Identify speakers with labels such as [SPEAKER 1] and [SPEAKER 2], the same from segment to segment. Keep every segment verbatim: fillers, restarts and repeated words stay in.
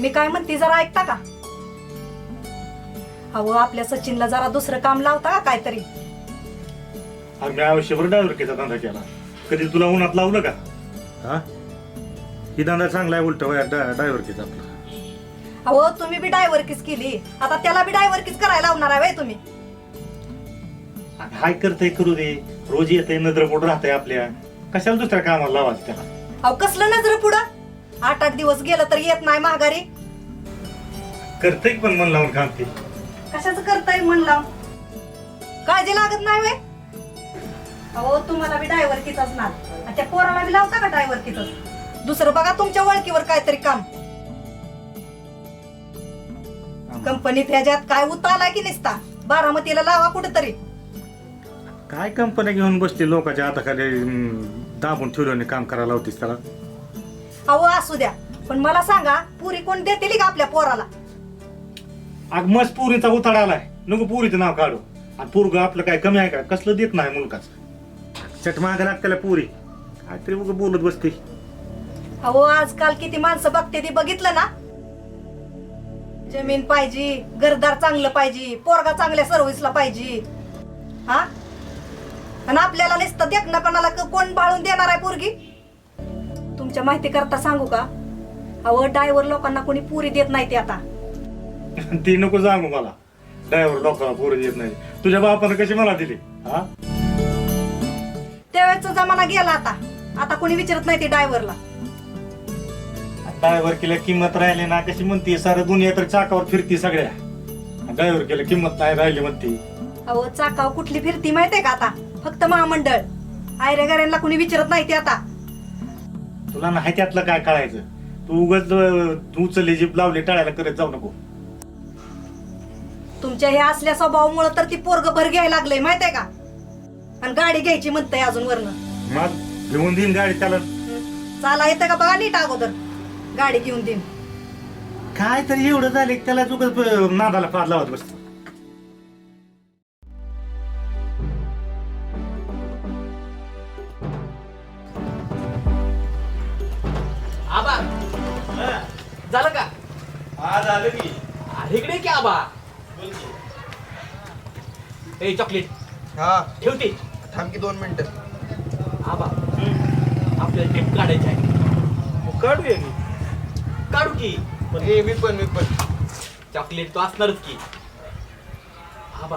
[SPEAKER 1] मी काय म्हणते जरा ऐकता का? अहो आपल्या सचिनला जरा दुसरं काम लावता का काहीतरी?
[SPEAKER 2] आम्ही आयुष्यभर ड्रायव्हरकीचा धंदा केला, कधी तुला उन्हात लावलं का? हा, ही धंदा चांगला आहे उलट ड्रायव्हरकीचा आपला.
[SPEAKER 1] अहो तुम्ही बी डायव्हरकीच केली, आता त्याला बी डायव्हरकीच करायला लावणार आहे तुम्ही?
[SPEAKER 2] हाय करतय करू दे, रोज येतय नजर पोट राहतंय आपल्या, कशाला दुसऱ्या कामाला लावायचं त्याला?
[SPEAKER 1] अहो कसलं नजर पुढं, आठ आठ दिवस गेलं तर येत नाही माघारी.
[SPEAKER 2] करतय पण मन लावून काम ते.
[SPEAKER 1] कशाचं करताय मन लावून? काळजी लागत नाही वे? अहो तुम्हाला बी डायव्हरकीचाच ना, आणि त्या पोराला बी लावता का डायव्हरकीच? दुसरं बघा तुमच्या ओळखीवर काहीतरी काम. कंपनीत ह्याच्यात काय उताला की निसता, बारामतीला लावा कुठेतरी.
[SPEAKER 2] काय कंपन्या घेऊन बसते लोकांच्या हाताखाली अं, दाबून ठेवलं काम करायला होतीस त्याला.
[SPEAKER 1] अहो असू द्या, पण मला सांगा पुरी कोण देतील का आपल्या पोराला?
[SPEAKER 2] अग मस्त पुरीचा उताडा आलाय, नको पुरीचं नाव काढू. आणि पोरग आपलं काय कमी आहे का? कसलं देत नाही मुलगाचं, चट मागे लागत्याला पुरी काहीतरी उग बोलत बसते.
[SPEAKER 1] अहो आजकाल किती माणसं बघते ती बघितलं ना. जमीन पाहिजे, घरदार चांगलं पाहिजे, पोरगा चांगल्या सर्व्हिसला पाहिजे. हा, आणि आपल्याला नुसतं देखणापणाला कोण बाळून देणार आहे पोरगी? तुमच्या माहिती करता सांगू का, अहो ड्रायव्हर लोकांना कोणी पुरी देत नाही ते आता.
[SPEAKER 2] ती नको सांगू मला, ड्रायव्हर लोकांना पोरी देत नाही. तुझ्या बापानं कशी मला दिली? हा,
[SPEAKER 1] त्यावेळेचा जमाना गेला आता, आता कोणी विचारत नाही ते ड्रायव्हरला.
[SPEAKER 2] ड्रायव्हर केल्या किंमत राहिली ना, कशी म्हणते सारं दुनिया तर चाकावर फिरती सगळ्या, ड्रायव्हर केल्या किंमत नाही राहिली म्हणते.
[SPEAKER 1] अहो चाकाव कुठली फिरती माहितीये का आता? फक्त महामंडळ. आयऱ्या गाऱ्यांना कोणी विचारत नाही ते आता.
[SPEAKER 2] तुला नाही त्यातलं काय कळायचं? तू उगाच तू उचलली जीप लावली टाळायला करत जाऊ नको.
[SPEAKER 1] तुमच्या हे असल्या स्वभावामुळे तर ती पोरग भर घ्यायला लागलंय माहितीये का? आणि गाडी घ्यायची म्हणतंय अजून वरनं.
[SPEAKER 2] मग घेऊन देईन गाडी त्याला.
[SPEAKER 1] चाला येतं का बघा नीट अगोदर, गाडी घेऊन देईन.
[SPEAKER 2] काय तरी एवढं झालं की त्याला उगाच नादाला पार लावत बसतो.
[SPEAKER 3] आबा झालं का?
[SPEAKER 2] हा झालं की.
[SPEAKER 3] अरे इकडे की आबा. ए चॉकलेट
[SPEAKER 4] हा
[SPEAKER 3] ठेवते.
[SPEAKER 4] थांब की दोन मिनिटं.
[SPEAKER 3] आबा आपल्याला ट्रिप काढायची आहे.
[SPEAKER 2] काढूया की.
[SPEAKER 3] काढू की.
[SPEAKER 4] ए मी पण मी पण
[SPEAKER 3] चॉकलेट तो असणारच की. आबा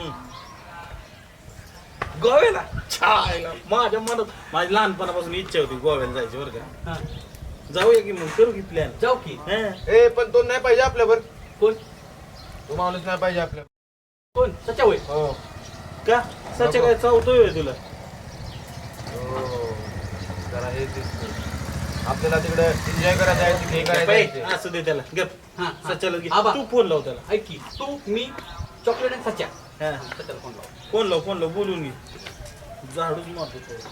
[SPEAKER 5] गोव्याला छायला माझ्या मनात माझी लहानपणापासून इच्छा होती गोव्याला जायची बरं का.
[SPEAKER 3] हा,
[SPEAKER 5] जाऊया की मग करू की प्लॅन.
[SPEAKER 3] जाऊ की.
[SPEAKER 4] ए पण तो नाही पाहिजे आपल्यावर.
[SPEAKER 3] कोण
[SPEAKER 4] तो माणूस नाही पाहिजे आपल्या.
[SPEAKER 3] कोण सच्या होय?
[SPEAKER 4] हो
[SPEAKER 5] का सच्या काय चावतोय तुला?
[SPEAKER 4] हो जरा हे दिसतंय. आपल्याला तिकडे एन्जॉय करायचं आहे, तिकडे हे करायचं
[SPEAKER 5] बाई,
[SPEAKER 4] आहे.
[SPEAKER 5] असू दे त्याला गप.
[SPEAKER 3] हा, हा.
[SPEAKER 5] सच्याला घे.
[SPEAKER 3] आबा.
[SPEAKER 5] तू फोन लाव त्याला.
[SPEAKER 3] ऐक की, तू मी चॉकलेट आणि सच्या.
[SPEAKER 5] हा.
[SPEAKER 3] सच्याला फोन लाव.
[SPEAKER 5] फोन लाव फोन लाव बोलून घे. झाडूच मारतो तो.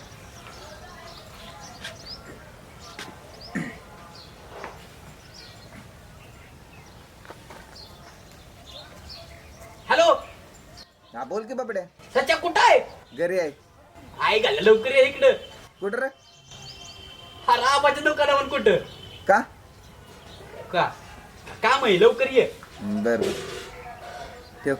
[SPEAKER 3] हॅलो
[SPEAKER 4] हा बोल की बाबड्या.
[SPEAKER 3] सच्या कुठं आहे?
[SPEAKER 4] घरी आहे.
[SPEAKER 3] आई घाल लवकर ये इकडं.
[SPEAKER 4] कुठं रे?
[SPEAKER 3] हा राबाच्या दुकानावर कुठं?
[SPEAKER 4] का?
[SPEAKER 3] का काम आहे, लवकर ये.
[SPEAKER 4] बर बर ठेव.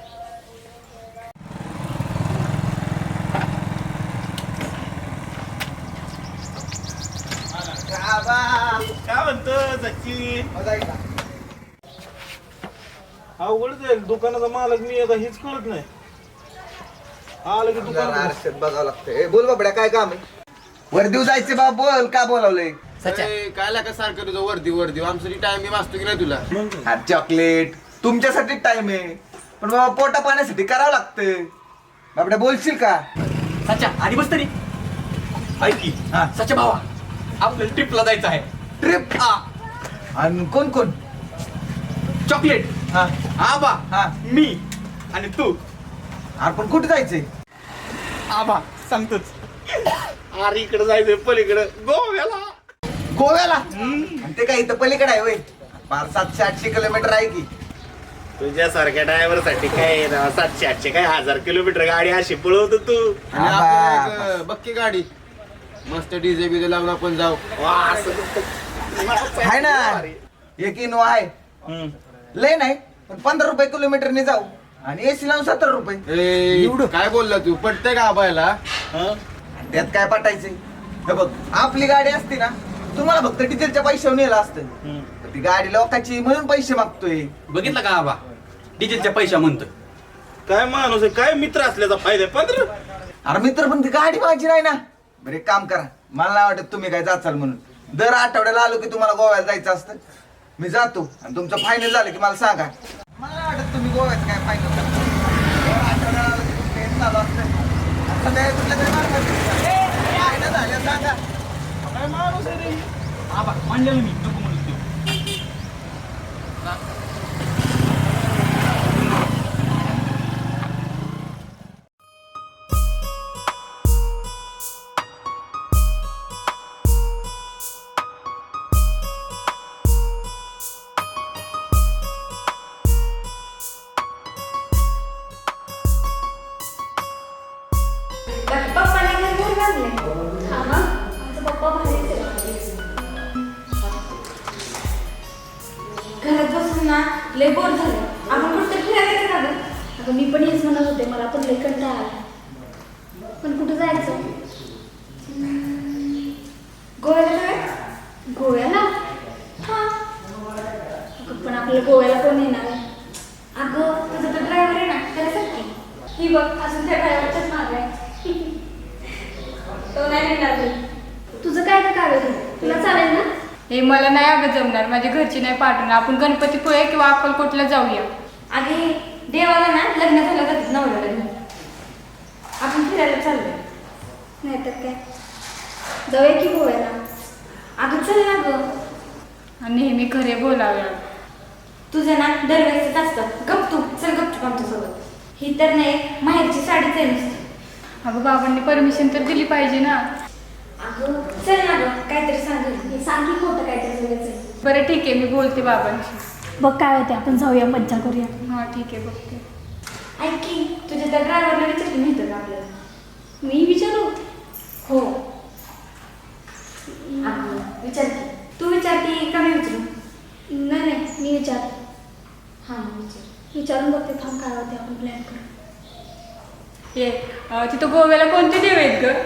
[SPEAKER 5] काय म्हणतो सचिन? अवघड जाईल दुकानाचा मालक मी आता हेच कळत नाही. आलं की दुकान
[SPEAKER 4] आरशात बघावं लागतंय. ए, बोल बाबड्या काय काम आहे? वर्दीव जायचे बा. बोल का बोलावलंय?
[SPEAKER 3] सच्या
[SPEAKER 4] काय लागा सारखं तुझं वर्दी वर्दी आमसाठी टाइम वाचतो की नाही तुला?
[SPEAKER 5] मग
[SPEAKER 4] हा चॉकलेट तुमच्यासाठी टाइम आहे, पण बाबा पोटा पाण्यासाठी करावं लागतं. बाबड्या बोलशील का?
[SPEAKER 3] सच्या आधी बस तरी. ऐक की,
[SPEAKER 4] हा.
[SPEAKER 3] सच्या भावा आपल्याला ट्रिपला जायचं आहे.
[SPEAKER 4] ट्रिप.
[SPEAKER 3] हा,
[SPEAKER 4] आणि कोण कोण?
[SPEAKER 3] चॉकलेट,
[SPEAKER 4] हा
[SPEAKER 3] आबा,
[SPEAKER 4] हा.
[SPEAKER 3] मी आणि तू.
[SPEAKER 4] आपण कुठे जायचंय?
[SPEAKER 3] आबा सांगतोच. अरे इकडे जायचंय पलीकडे गोव्याला.
[SPEAKER 4] गोव्याला? आणि ते काय इथं पलीकडे आहे होय? फार सातशे आठशे किलोमीटर आहे की.
[SPEAKER 5] तुझ्यासारख्या ड्रायव्हर साठी काय ना सातशे आठशे काय हजार किलोमीटर गाडी अशी पळवतो तू.
[SPEAKER 4] आणि
[SPEAKER 6] आणि
[SPEAKER 4] आबा,
[SPEAKER 6] आपल्याला एक बक्की गाडी मस्त डीजे बीजे लावून आपण जाऊ.
[SPEAKER 5] वा, असं
[SPEAKER 4] आहे ना एक इनोवा आहे,
[SPEAKER 7] लय नाही पण पंधरा रुपये किलोमीटरने जाऊ आणि एसी लावून सत्तर रुपये.
[SPEAKER 6] ए, काय बोलला तू पटतंय का आबायला?
[SPEAKER 7] त्यात काय पाठायचंय? हे बघ आपली गाडी असती ना तुम्हाला फक्त डिझेलच्या पैशावर नेलं असतं. ती गाडी लोकांची म्हणून पैसे मागतोय.
[SPEAKER 3] बघितलं का आबा डिझेलच्या पैशा म्हणतो.
[SPEAKER 5] काय माणूस आहे, काय मित्र असल्याचा फायदा आहे? पंधरा
[SPEAKER 7] अरे मित्र पण ती गाडी माझी नाही ना. बरं एक काम करा, मला नाही वाटत तुम्ही काय जाचाल म्हणून. दर आठवड्याला आलो की तुम्हाला गोव्याला जायचं असतं. मी जातो आणि तुमचं फायनल झालं की मला सांगा. मला नाही वाटत तुम्ही गोव्यात काय फायनल करता. दर आठवड्याला आलो की तुमचं हे चालू असतं. आता काय कुठल्या तरी मार्गात फायनल झालं सांगा.
[SPEAKER 5] काय माणूस आहे रे?
[SPEAKER 3] आबा म्हणलेलं मी नको म्हणून तू.
[SPEAKER 8] पप्पाने घर घर बांधले. हा मग आमचा पप्पा भारीच आहे. घरात बसून ना लय बोर झाले. आपण कुठं फिरायला जायचं ना गं? अगं मी पण हेच म्हणत होते, मला पण लय कंटाळा आला. पण कुठं जायचं? हम्म, गोव्याला जाऊया? गोव्याला? हा अगं पण आपल्याला गोव्याला कोण येणार आहे? अगं तुझा तो ड्रायव्हर आहे ना त्याला सांग की. ही बघ अजून त्या ड्रायव्हरच्याच मागे आहे. तो नाही येणार मी. तुझं काय का कागद आहे? तुला चालेल ना?
[SPEAKER 9] हे मला नाही अगं जमणार, माझ्या घरची नाही पाठवणार. आपण गणपतीपुळे किंवा अक्कलकोटला जाऊया.
[SPEAKER 8] अगे देवाला ना लग्न झालं जातात नवऱ्याला घेऊन. आपण फिरायला चाललोय. नाही तर काय जाऊया की गोव्याला. अगं चल ना गं.
[SPEAKER 9] आणि नेहमी खरे बोलावे.
[SPEAKER 8] तुझं ना दरवेळेसच असतं. गप तू चल गपचूप आमच्यासोबत. ही तर नाही माहेरची साडीच आहे नुसती.
[SPEAKER 9] अगं बाबांनी परमिशन तर दिली पाहिजे ना.
[SPEAKER 8] अगं चल ना गं काहीतरी सांग. हे सांग की खोटं काहीतरी बोलायचं.
[SPEAKER 9] बरं ठीक आहे, मी बोलते बाबांशी.
[SPEAKER 8] बघ काय होते, आपण जाऊया मज्जा करूया.
[SPEAKER 9] हां ठीक आहे, बघते.
[SPEAKER 8] ऐक की तुझ्या त्या ड्रायव्हरला विचारते माहिती का आपल्याला? मी विचारू? हो अगं विचार की. तू विचारते का मी विचारू? नाही नाही मी विचारते. हां विचार. विचारून बघते. थांब काय होते आपण प्लॅन करू.
[SPEAKER 9] ये अं, तिथं गोव्याला कोणते देव आहेत ग?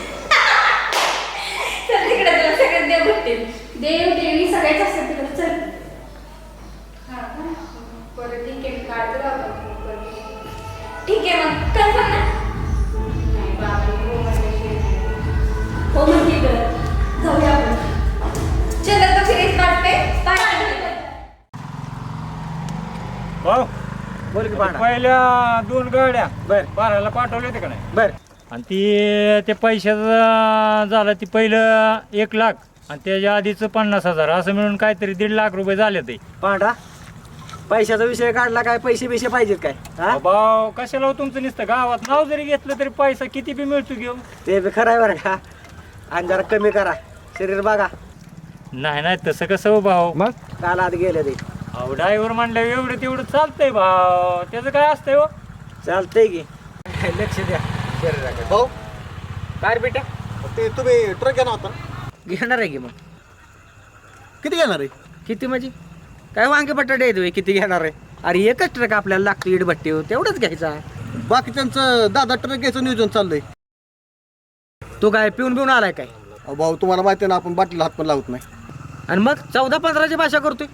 [SPEAKER 8] चल तिकडे तुला सगळ्यात देव भेटतील. देव देवी सगळ्याच असतात तिकडे. चल.
[SPEAKER 9] हां का? बरं ठीक आहे, मी काढते बाबा.
[SPEAKER 8] ठीक आहे मग कन्फर्म ना?
[SPEAKER 9] नाही बाबांनी हो म्हणल्याशिवाय नाही.
[SPEAKER 8] हो मग ठीक आहे जाऊया आपण. चल आता फिरेच वाटते.
[SPEAKER 2] हो
[SPEAKER 7] बोल की पाहणार.
[SPEAKER 2] पहिल्या दोन गाड्या
[SPEAKER 7] बर
[SPEAKER 2] बाराला पाठवले होते का नाही?
[SPEAKER 7] बर
[SPEAKER 2] आणि ती ते पैशाचं झालं ती पहिलं एक लाख आणि त्याच्या आधीचं पन्नास हजार असं मिळून काहीतरी दीड लाख रुपये झाले ते.
[SPEAKER 7] पांढरा पैशाचा विषय काढला काय? पैसे बिशे पाहिजेत काय? हा
[SPEAKER 2] भाऊ कशाला हो तुमचं नुसतं गावात नाव जरी घेतलं तरी पैसा किती बी मिळतो घेऊ.
[SPEAKER 7] ते बी खरं आहे बरं का. आणि जरा कमी करा शरीर बघा.
[SPEAKER 2] नाही नाही तसं कसं हो भाऊ.
[SPEAKER 7] मग काल आत गेले ते.
[SPEAKER 2] अहो ड्रायव्हर म्हणलं एवढं तेवढं चालतंय भाऊ. त्याचं काय असतंय हो.
[SPEAKER 7] चालतंय की. लक्ष द्या शरीराकडे. भाऊ काय बेटा
[SPEAKER 5] ते तुम्ही ट्रक घेणार होता?
[SPEAKER 7] घेणार आहे की मग.
[SPEAKER 5] किती घेणार आहे?
[SPEAKER 7] किती म्हणजे काय वांगे बटाटे येतोय किती घेणार आहे? अरे एकच ट्रक आपल्याला लागतो इडभट्टी तेवढंच घ्यायचा.
[SPEAKER 5] बाकीच्यांचं दादा ट्रक घ्यायचं नियोजन चाललंय.
[SPEAKER 7] तू काय पिऊन पिऊन आलाय काय?
[SPEAKER 5] अहो भाऊ तुम्हाला माहिती आहे ना आपण बाटलीला हात पण लावत नाही.
[SPEAKER 7] आणि मग चौदा पंधराची भाषा करतोय.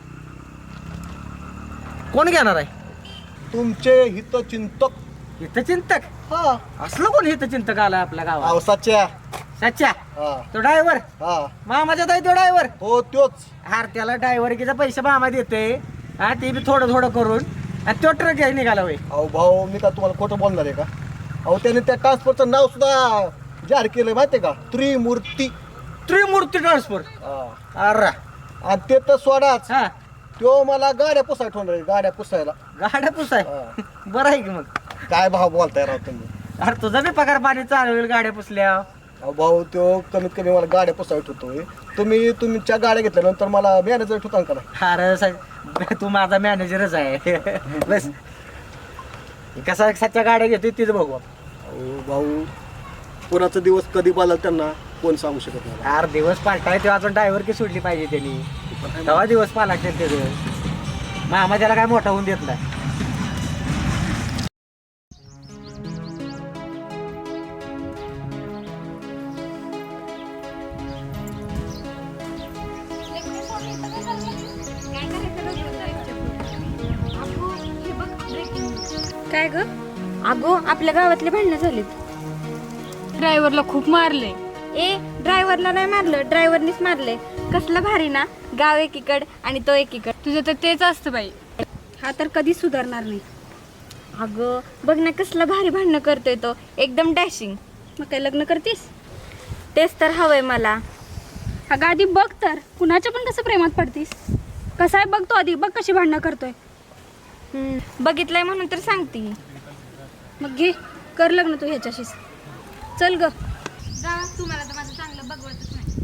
[SPEAKER 7] कोण घेणार आहे?
[SPEAKER 5] तुमचे हितचिंतक.
[SPEAKER 7] हितचिंतक?
[SPEAKER 5] हा
[SPEAKER 7] असलं कोण हितचिंतक आलाय आपल्या गावात?
[SPEAKER 5] अहो सच्च्या.
[SPEAKER 7] सच्चा
[SPEAKER 5] हा
[SPEAKER 7] तो ड्रायव्हर
[SPEAKER 5] हा
[SPEAKER 7] मामाच्या ताई तो ड्रायव्हर.
[SPEAKER 5] हो त्योच.
[SPEAKER 7] हार त्याला ड्रायव्हरकीचा पैसे मामा देते. हा ते बी थोडं थोडं करून आणि तो ट्रक घ्यायला निघाला होय.
[SPEAKER 5] अहो भाऊ मी का तुम्हाला खोटं बोलणार आहे का? अहो त्याने त्या ट्रान्सपोर्टचं नाव सुद्धा जाहीर केलंय माहितीये का? त्रिमूर्ती.
[SPEAKER 7] त्रिमूर्ती ट्रान्सफर.
[SPEAKER 5] हा.
[SPEAKER 7] अरे
[SPEAKER 5] आणि ते तर सोडाच.
[SPEAKER 7] हा
[SPEAKER 5] तो मला गाड्या पुसाय ठेवणार आहे. गाड्या पुसायला.
[SPEAKER 7] गाड्या पुसाय. बरं आहे की मग.
[SPEAKER 5] काय भाव बोलताय राव तुम्ही?
[SPEAKER 7] अरे तुझा बी पगार पाणी चालू होईल गाड्या पुसल्या.
[SPEAKER 5] अहो भाऊ तो कमीत कमी मला गाड्या पुसाय ठेवतोय. तुम्ही तुमच्या गाड्या घेतल्यानंतर मला मॅनेजर ठेवता का नाही?
[SPEAKER 7] अरे सा- तू माझा मॅनेजरच आहे. बस कसा सच्च्या गाड्या घेतोय तीच बघू.
[SPEAKER 5] अहो भाऊ कोणाचा दिवस कधी पाला त्यांना कोण सांगू शकत नाही.
[SPEAKER 7] चार दिवस पालटाय तेव्हा अजून ड्रायव्हर की सोडली पाहिजे त्यांनी. तेव्हा दिवस पालटते त्याचं.
[SPEAKER 3] मामा त्याला काय मोठा होऊन देत नाही.
[SPEAKER 8] काय ग अगो आपल्या गावातले भांडणं झालीत.
[SPEAKER 9] ड्रायव्हरला खूप मारले.
[SPEAKER 8] ए ड्रायव्हरला नाही मारलं, ड्रायव्हरनीच मारले. कसलं भारी ना, गाव एकीकड आणि तो एकीकड.
[SPEAKER 9] तुझं तर तेच असतं बाई.
[SPEAKER 8] हा तर कधी सुधारणार नाही. अगं बघ ना कसलं भारी भांडणं करतोय तो, एकदम डॅशिंग. मग काय लग्न करतीस? तेच तर हवंय मला.
[SPEAKER 9] अगं आधी बघ तर कुणाच्या पण कसं प्रेमात पडतीस. कसं आहे बघ तो आधी, बघ कशी भांडणं करतोय.
[SPEAKER 8] हम्म, बघितलंय म्हणून तर सांगते.
[SPEAKER 9] मग घे कर लग्न तू ह्याच्याशीच.
[SPEAKER 8] चल ग.
[SPEAKER 9] जा तुम्हाला तर माझं चांगलं बघवतच नाही.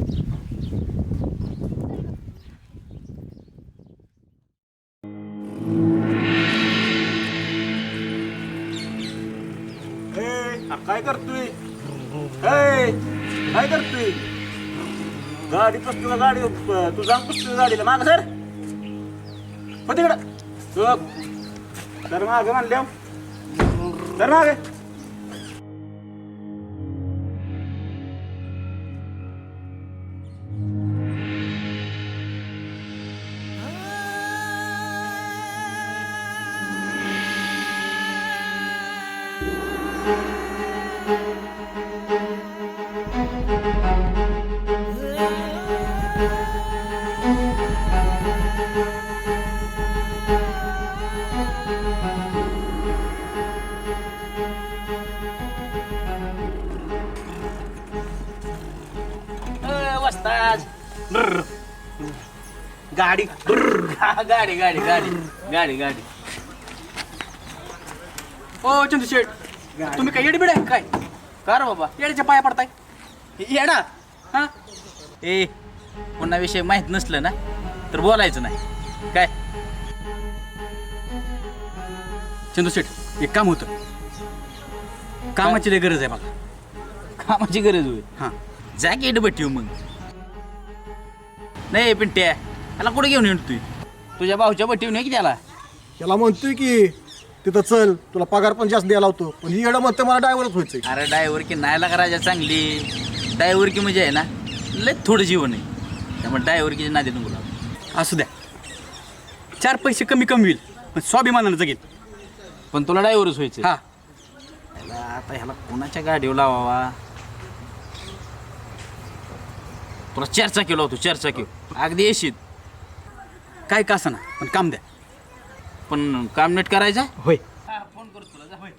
[SPEAKER 2] काय करतोय काय काय करतोय गाडी पसतो गाडी तू जाऊन पसतो गाडीला माग सर हो तिकडं तर मागे म्हणल्या तर मागे
[SPEAKER 3] गाडी गाडी गाडी गाडी गाडी गाडी ओ चंदू शेठ तुम्ही काय येडबिड आहे काय का रे बाबा येड्याच्या पाया पडताय येडा हा ए पुन्हा विषय माहित नसलं ना तर बोलायचं नाही काय चंदू शेठ एक काम होतं कामाची लय गरज आहे बघा कामाची गरज होईल हां जा की येडबट ठेव मग नाही पिंट्या त्याला कुठे घेऊन येतो तुझ्या भाऊच्या बटीव नाही की त्याला
[SPEAKER 5] त्याला म्हणतोय की तिथं चल तुला पगार पण जास्त द्यायला होतो, पण ही येडं म्हणते मला ड्रायव्हरच व्हायचंय.
[SPEAKER 3] अरे ड्रायव्हर की नाही लागा राजा चांगली ड्रायव्हर की म्हणजे आहे ना लय थोडं जीवन आहे त्यामुळे ड्रायव्हर की नादी नको लागू. असू द्या चार पैसे कमी कमी होईल पण स्वाभिमानानं जगेल पण तुला ड्रायव्हरच व्हायचं हा ह्याला आता ह्याला कोणाच्या गाडीवर लावावा तुला चर्चा केला होतो चर्चा केव अगदी येशील काय का असं ना पण काम द्या पण काम नीट करायचं होय फोन करतो तुला जा होय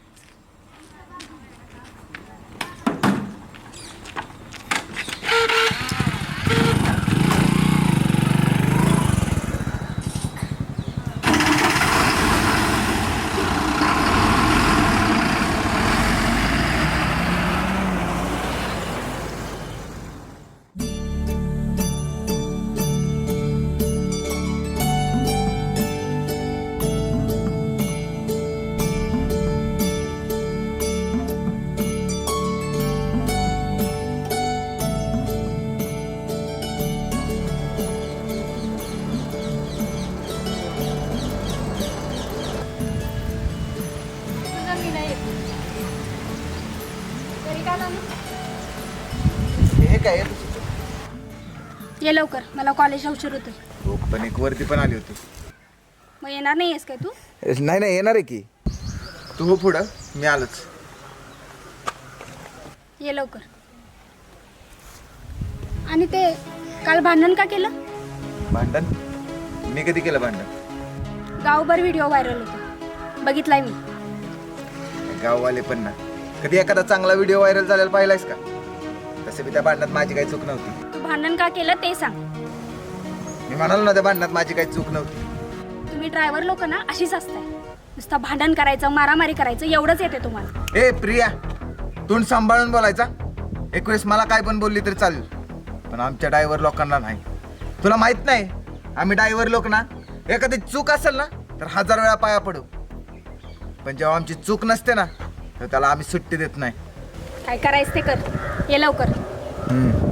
[SPEAKER 7] हे काय
[SPEAKER 9] ये लवकर मला कॉलेजला उशीर होतोय.
[SPEAKER 7] हो पण एक वरती पण आली होती.
[SPEAKER 9] मग येणार नाही आहेस काय तू?
[SPEAKER 7] नाही नाही येणार आहे की तू हो पुढं मी आलोच.
[SPEAKER 9] ये लवकर. आणि ते काल भांडण का केलं?
[SPEAKER 7] भांडण मी कधी केलं भांडण?
[SPEAKER 9] गावभर व्हिडिओ व्हायरल होता बघितलाय मी.
[SPEAKER 7] गाववाले पण ना कधी एखादा चांगला व्हिडिओ व्हायरल झालेला पाहिलायस का? तसे मी त्या भांडणात माझी काही चूक नव्हती.
[SPEAKER 9] तू भांडण का केलं ते सांग.
[SPEAKER 7] मी म्हणालो ना त्या भांडणात माझी काही चूक नव्हती.
[SPEAKER 9] तुम्ही ड्रायव्हर लोक ना अशीच असताय नुसतं भांडण करायचं मारामारी करायचं एवढंच येते तुम्हाला.
[SPEAKER 7] ए प्रिया तोंड सांभाळून बोलायचा. एक वेळेस मला काय पण बोलली तरी चालेल पण आमच्या ड्रायव्हर लोकांना नाही. तुला माहित नाही आम्ही ड्रायव्हर लोक ना एखादी चूक असेल ना तर हजार वेळा पाया पडू पण जेव्हा आमची चूक नसते ना तर त्याला आम्ही सुट्टी देत नाही.
[SPEAKER 9] काय करायचं ते कर. ये लवकर.